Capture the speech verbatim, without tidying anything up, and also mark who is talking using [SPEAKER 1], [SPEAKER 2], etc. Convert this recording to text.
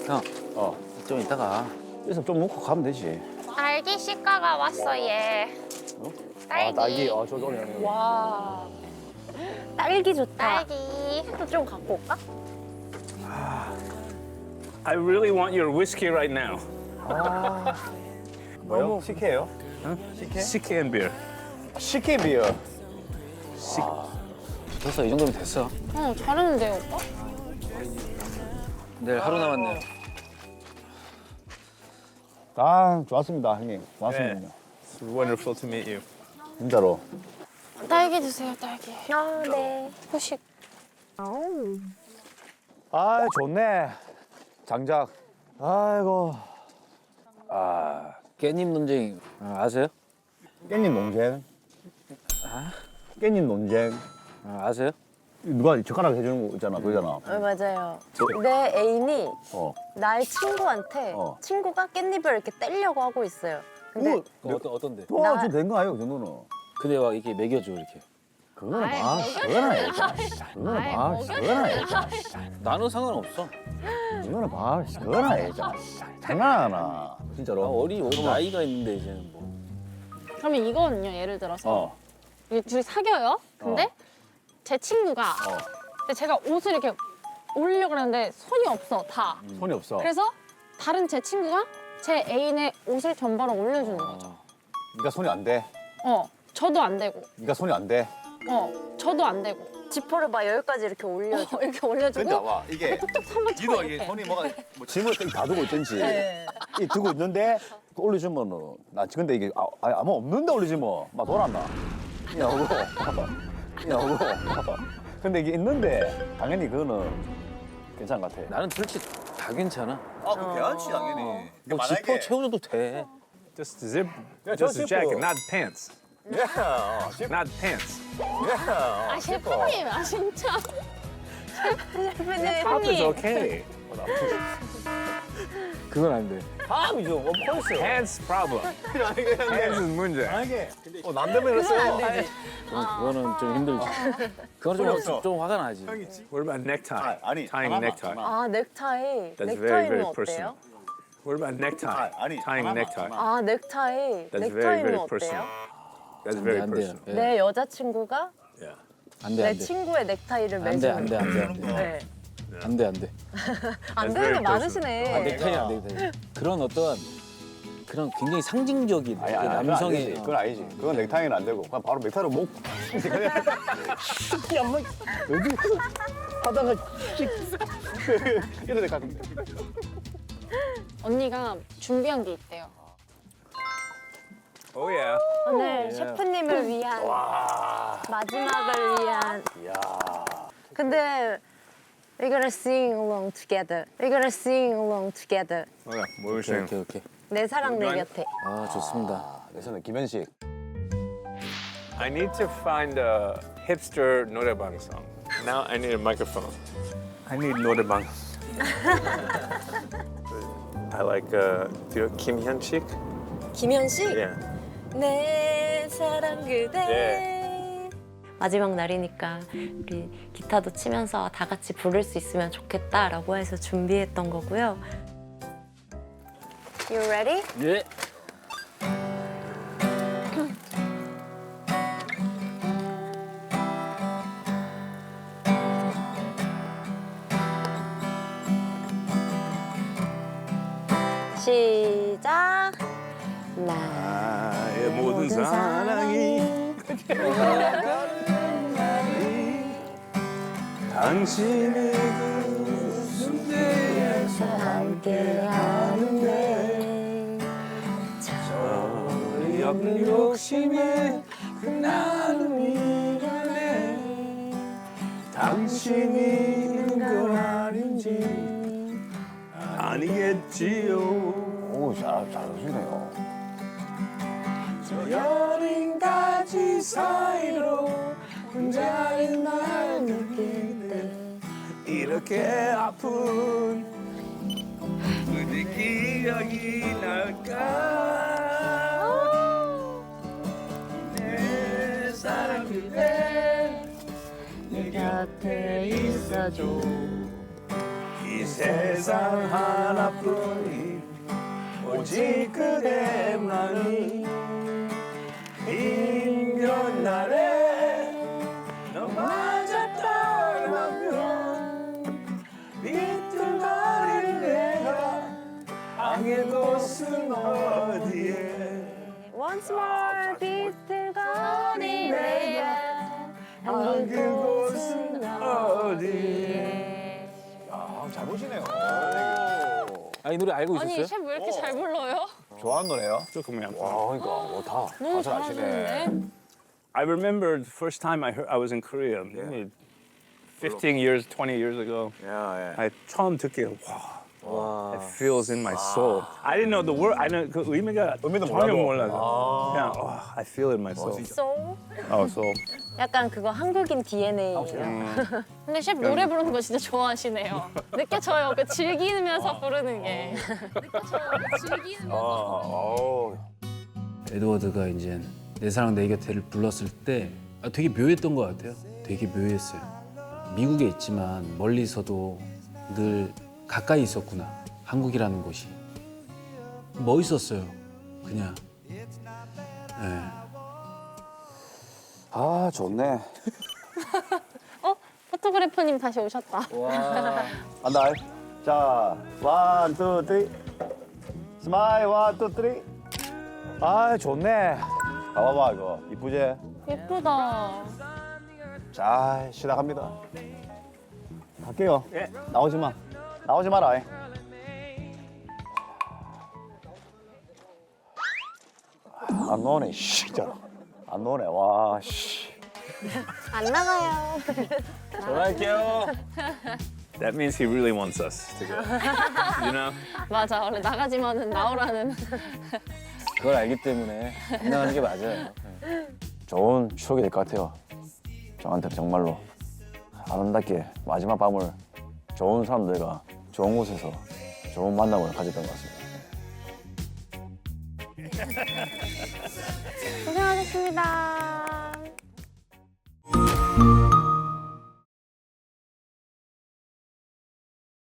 [SPEAKER 1] 형,
[SPEAKER 2] 어.
[SPEAKER 1] 좀 이따가.
[SPEAKER 2] 여기서 좀 먹고 가면 되지.
[SPEAKER 3] 딸기 시가가 왔어 얘.
[SPEAKER 2] 어?
[SPEAKER 3] 딸기.
[SPEAKER 2] 아, 딸기. 아, 저기 오네.
[SPEAKER 4] 와. 딸기 좋다.
[SPEAKER 3] 딸기.
[SPEAKER 4] 또 좀 갖고 올까?
[SPEAKER 5] I really want your whiskey right now.
[SPEAKER 2] 뭐요? 식혜요? 식혜?
[SPEAKER 5] Sikhe and beer.
[SPEAKER 2] 식혜 비어.
[SPEAKER 1] 됐어, 이 정도면 됐어.
[SPEAKER 4] 응, 잘했는데요, 오빠?
[SPEAKER 1] 내일 하루 남았네요.
[SPEAKER 2] 아, 좋았습니다, 형님. 고맙습니다.
[SPEAKER 5] 네. It's wonderful to meet you.
[SPEAKER 2] 진짜로.
[SPEAKER 4] 딸기 주세요, 딸기.
[SPEAKER 3] 아 네.
[SPEAKER 4] 후식.
[SPEAKER 2] 아, 좋네. 장작. 아이고.
[SPEAKER 1] 아, 깻잎 논쟁 아, 아세요?
[SPEAKER 2] 깻잎 논쟁. 깻잎 논쟁.
[SPEAKER 1] 아, 아세요?
[SPEAKER 2] 누가 젓가락 해주는 거 있잖아, 그거잖아.
[SPEAKER 4] 어, 맞아요. 내 애인이
[SPEAKER 2] 어.
[SPEAKER 4] 나의 친구한테
[SPEAKER 2] 어.
[SPEAKER 4] 친구가 깻잎을 이렇게 떼려고 하고 있어요. 근데
[SPEAKER 2] 오,
[SPEAKER 1] 그 어떤, 어떤데?
[SPEAKER 2] 도와줘도 된 거 아니에요, 그 정도는?
[SPEAKER 1] 근데 막 이렇게 먹여줘, 이렇게.
[SPEAKER 2] 그거는 막, 그거는 알잖아. 그거는 막, 그거는 알잖아.
[SPEAKER 1] 나는 상관없어.
[SPEAKER 2] 그거는 막, 그거는 알잖아. 장난하나,
[SPEAKER 1] 나
[SPEAKER 2] 진짜로.
[SPEAKER 1] 어리, 어리 나이가 있는데, 이제는 뭐.
[SPEAKER 4] 그러면 이거는요, 예를 들어서
[SPEAKER 2] 어.
[SPEAKER 4] 이게 둘이 사겨요. 근데
[SPEAKER 2] 어.
[SPEAKER 4] 제 친구가
[SPEAKER 2] 어.
[SPEAKER 4] 근데 제가 옷을 이렇게 올리려고 하는데 손이 없어, 다.
[SPEAKER 2] 손이 없어.
[SPEAKER 4] 그래서 다른 제 친구가 제 애인의 옷을 전바로 올려주는 거죠.
[SPEAKER 1] 어.
[SPEAKER 2] 네가 손이 안 돼.
[SPEAKER 4] 어, 저도 안 되고,
[SPEAKER 2] 네가 손이 안 돼.
[SPEAKER 4] 어, 저도 안 되고. 지퍼를 막 여기까지 이렇게 올려줘. 이렇게 올려주고.
[SPEAKER 2] 근데 와, 이게
[SPEAKER 4] 톡톡 한번 쳐.
[SPEAKER 2] 니도
[SPEAKER 4] 이렇게.
[SPEAKER 2] 이게 손이 뭐가 뭐 짐을 다 두고 있든지
[SPEAKER 4] 네.
[SPEAKER 2] 이 두고 있는데 올려주면은 나 근데 이게 아, 아, 아무 없는데 올리지 뭐막 돌았나 이하고 이하고 근데 이게 있는데 당연히 그거는 괜찮은 것 같아.
[SPEAKER 1] 나는 솔직히 다 괜찮아.
[SPEAKER 2] 아, 그 괜찮지 당연히.
[SPEAKER 1] 뭐 지퍼 채워줘도 돼.
[SPEAKER 5] Just zip,
[SPEAKER 2] Yeah,
[SPEAKER 5] just a
[SPEAKER 2] just zip
[SPEAKER 5] jacket,
[SPEAKER 2] it.
[SPEAKER 5] not pants.
[SPEAKER 2] 예, 어,
[SPEAKER 5] Not pants.
[SPEAKER 2] 예,
[SPEAKER 4] 아, 셰프님, 아, 진짜. 셰프님,
[SPEAKER 5] Top is
[SPEAKER 4] 형님.
[SPEAKER 5] okay.
[SPEAKER 1] 그건 안 돼.
[SPEAKER 2] 다음이죠. 뭐 펄스.
[SPEAKER 5] Pants problem. Pants is 문제.
[SPEAKER 2] 만약에 어, 남대문 했어요.
[SPEAKER 1] 그건, 그거는 좀 힘들지. 그건
[SPEAKER 2] 없어.
[SPEAKER 1] 좀, 좀 화가 나지.
[SPEAKER 5] What about necktie?
[SPEAKER 2] 아, 아니,
[SPEAKER 5] Tying
[SPEAKER 2] 하나만,
[SPEAKER 5] necktie.
[SPEAKER 2] 하나.
[SPEAKER 4] 아, 넥타이.
[SPEAKER 5] That's very,
[SPEAKER 4] 넥타이는
[SPEAKER 5] very
[SPEAKER 4] 어때요?
[SPEAKER 5] personal. What about necktie?
[SPEAKER 2] 아, 아니,
[SPEAKER 5] Tying
[SPEAKER 2] 하나만,
[SPEAKER 5] necktie.
[SPEAKER 2] 하나.
[SPEAKER 4] 아, 넥타이.
[SPEAKER 5] That's very,
[SPEAKER 4] 넥타이는
[SPEAKER 5] very
[SPEAKER 4] 어때요?
[SPEAKER 5] personal. That's
[SPEAKER 1] 안 돼,
[SPEAKER 5] very
[SPEAKER 1] 안 돼요.
[SPEAKER 5] personal.
[SPEAKER 1] 예.
[SPEAKER 4] 내 여자친구가
[SPEAKER 5] Yeah.
[SPEAKER 1] 안 돼,
[SPEAKER 4] 내
[SPEAKER 1] 안 돼.
[SPEAKER 4] 친구의 넥타이를
[SPEAKER 1] 안 돼,
[SPEAKER 4] 매주는
[SPEAKER 1] 안 돼, 안 돼, 안 돼.
[SPEAKER 4] 네.
[SPEAKER 1] 안 돼, 안 돼.
[SPEAKER 4] 안
[SPEAKER 5] That's
[SPEAKER 4] 되는 게
[SPEAKER 5] very
[SPEAKER 4] 많으시네.
[SPEAKER 1] 아, 넥타이 안 돼, 넥타이. 그런 어떤 그런 굉장히 상징적인
[SPEAKER 2] 아니, 아니,
[SPEAKER 1] 그
[SPEAKER 2] 남성의
[SPEAKER 1] 남성의
[SPEAKER 2] 그건 아니지. 그건 넥타이는 안 되고 그냥 바로 넥타이로 목. 이 엄마 여기 하다가 씩 이래 가끔.
[SPEAKER 4] 언니가 준비한 게 있대요.
[SPEAKER 5] Oh yeah.
[SPEAKER 4] 오늘 셰프님을 위한 마지막을 위한. 근데 we're gonna sing along together. We're gonna sing along together.
[SPEAKER 5] Okay, what were you
[SPEAKER 1] 오케이,
[SPEAKER 5] saying?
[SPEAKER 1] 오케이, 오케이.
[SPEAKER 4] 내 사랑 내 곁에.
[SPEAKER 1] 아, 좋습니다.
[SPEAKER 2] 아, 내 손에 김현식.
[SPEAKER 5] I need to find a hipster 노래방 song. Now I need a microphone. I need 노래방. I like uh, do you know Kim Hyun-sik?
[SPEAKER 4] 김현식.
[SPEAKER 5] Yeah.
[SPEAKER 4] 내 사랑 그대.
[SPEAKER 5] 예.
[SPEAKER 4] 마지막 날이니까 우리 기타도 치면서 다 같이 부를 수 있으면 좋겠다라고 해서 준비했던 거고요. You ready?
[SPEAKER 1] 예.
[SPEAKER 4] 시작.
[SPEAKER 5] 나의
[SPEAKER 4] 모든 사랑이
[SPEAKER 5] 당신의 그
[SPEAKER 4] 숨에서 함께하는데
[SPEAKER 5] 없는 욕심에 그 나눔이라네 당신이 있는 건 아닌지 아니겠지요
[SPEAKER 2] 오, 잘 잘하시네요.
[SPEAKER 5] 저 여린 가지 사이로 혼자인 날 느낄 때 이렇게 아픈 그대 기억이 날까 내 사랑 그대 내 곁에 있어줘 이
[SPEAKER 2] 세상 하나뿐인 오직 그대만이 힘겨운 날에 너 맞았다면 비틀거릴 내가 angel 곳은 어디에
[SPEAKER 4] Once more 비틀거린 내가
[SPEAKER 2] angel 곳은 어디에 아, 잘 보시네요.
[SPEAKER 1] 아, 이 노래 알고
[SPEAKER 3] 아니
[SPEAKER 1] 있었어요?
[SPEAKER 3] 셰프 왜 이렇게 잘 불러요?
[SPEAKER 2] 좋아하는 노래요?
[SPEAKER 5] 조금만.
[SPEAKER 2] 와, 그러니까 뭐 다,
[SPEAKER 3] 너무
[SPEAKER 2] 다 잘하시네.
[SPEAKER 3] 잘하시는데?
[SPEAKER 5] I remember the first time I heard I was in Korea, maybe fifteen years, twenty years ago.
[SPEAKER 2] 야, 예.
[SPEAKER 5] I 처음 듣기 와, it feels in my soul. I didn't know the word. I know 그 의미가
[SPEAKER 2] 의미도
[SPEAKER 5] 전혀
[SPEAKER 2] 몰라도.
[SPEAKER 5] 몰라서 그냥 와, I feel it in my soul.
[SPEAKER 4] soul?
[SPEAKER 5] Oh, soul.
[SPEAKER 4] 약간 그거 한국인 디엔에이예요.
[SPEAKER 3] 근데 셰프 노래 부르는 거 진짜 좋아하시네요. 느껴져요. 그 즐기면서 부르는 게. 느껴져요. 그 즐기면서.
[SPEAKER 6] 에드워드가 이제 내 사랑 내 곁에를 불렀을 때 아, 되게 묘했던 것 같아요. 되게 묘했어요. 미국에 있지만 멀리서도 늘 가까이 있었구나. 한국이라는 곳이 멋있었어요. 그냥. 네.
[SPEAKER 2] 아, 좋네.
[SPEAKER 3] 어? 포토그래퍼님 다시 오셨다.
[SPEAKER 2] 간다. 자, 원, 투, 쓰리. 스마일, 원, 투, 쓰리. 아, 좋네. 봐봐봐, 이거. 이쁘지?
[SPEAKER 3] 예쁘다.
[SPEAKER 2] 자, 시작합니다. 갈게요. 나오지 마. 나오지 마라. 안 나오네, 씨. 진짜. 안 나오네, 와, 씨.
[SPEAKER 4] 안 나가요.
[SPEAKER 1] 전화할게요.
[SPEAKER 5] That means he really wants us to go. You know?
[SPEAKER 3] 맞아. 원래 나가지만은 나오라는.
[SPEAKER 1] 그걸 알기 때문에 안 나가는 게 맞아요.
[SPEAKER 2] 좋은 추억이 될 것 같아요. 저한테 정말로 아름답게 마지막 밤을 좋은 사람들과 좋은 곳에서 좋은 만남을 가졌던 것 같습니다.
[SPEAKER 4] 고생하셨습니다.